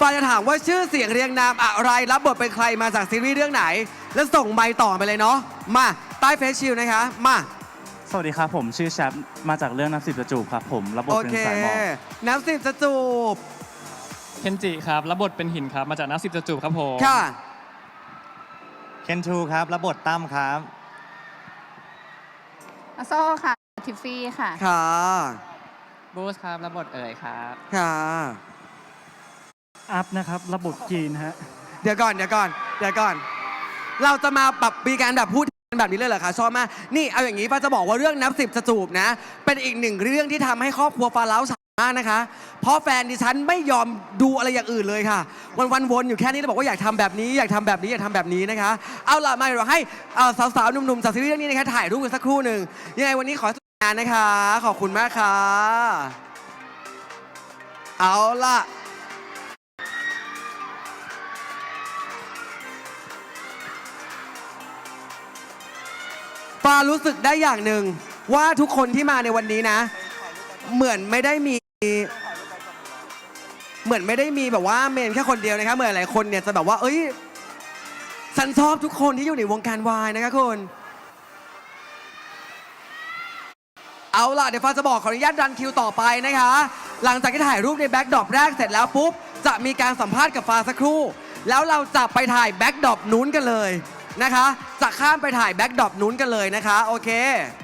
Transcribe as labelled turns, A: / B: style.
A: ฟ้าจะถามว่าชื่อเสียงเรียงนามอะไรรับบทเป็นใครมาจากซีรีส์เรื่องไหน แล้วส่งไมค์ต่อไปเลยเนาะมาใต้เฟซชิลนะคะมา
B: สวัสดีครับผมชื่อแชปมาจากเรื่องน้ำสิบจะจูบครับผมรับบท
A: โอ
B: เป็น
A: เค
B: สายหมอก
A: น้ำสิบจะจูบ
C: เคนจิครับรับบทเป็นหินครับมาจากนักสิบจะจูบครับผม
A: ค่ะ
D: เคนทูครับรับบทตั้มครับ
E: อาโซ่ค่ะ ทิฟฟี่ค่ะ
A: ค่ะ
C: บูสครับรับบทเอ๋ยครับ
A: ค่ะ
B: อัพนะครับรับบทจีนฮะ
A: เดี๋ยวก่อน เราจะมาปรับมีการแบบพูดแบบนี้เลยเหรอคะชอบมากนี่เอาอย่างนี้ฟ้าจะบอกว่าเรื่องนับสิบจะจูบนะ เป็นอีกหนึ่งเรื่องที่ทำให้ครอบครัวฟ้าเล้าสามารถนะคะ เพราะแฟนดิฉันไม่ยอมดูอะไรอย่างอื่นเลยค่ะ วันวนอยู่แค่นี้แล้วบอกว่าอยากทำแบบนี้อยากทำแบบนี้อยากทำแบบนี้นะคะ เอาล่ะมาเดี๋ยวเราให้สาวๆหนุ่มๆจากซีรีส์เรื่องนี้นะคะถ่ายรูปกันสักครู่หนึ่งยังไงวันนี้ขอสนุกงานนะคะ ขอบคุณมากค่ะเอาล่ะฟ้ารู้สึกได้อย่างหนึ่งว่าทุกคนที่มาในวันนี้นะ เหมือนไม่ได้มีแบบว่าเมนแค่คนเดียวนะคะเหมือนหลายคนเนี่ยจะแบบว่าเอ้ยฉันชอบทุกคนที่อยู่ในวงการวายนะคะคุณเอาล่ะเดี๋ยวฟ้าจะบอกขออนุญาตรันคิวต่อไปนะคะหลังจากที่ถ่ายรูปในแบ็คดรอปแรกเสร็จแล้วปุ๊บจะมีการสัมภาษณ์กับฟ้าสักครู่แล้วเราจะไปถ่ายแบ็คดรอปนู้นกันเลยนะคะจะข้ามไปถ่ายแบ็คดรอปนู้นกันเลยนะคะโอเค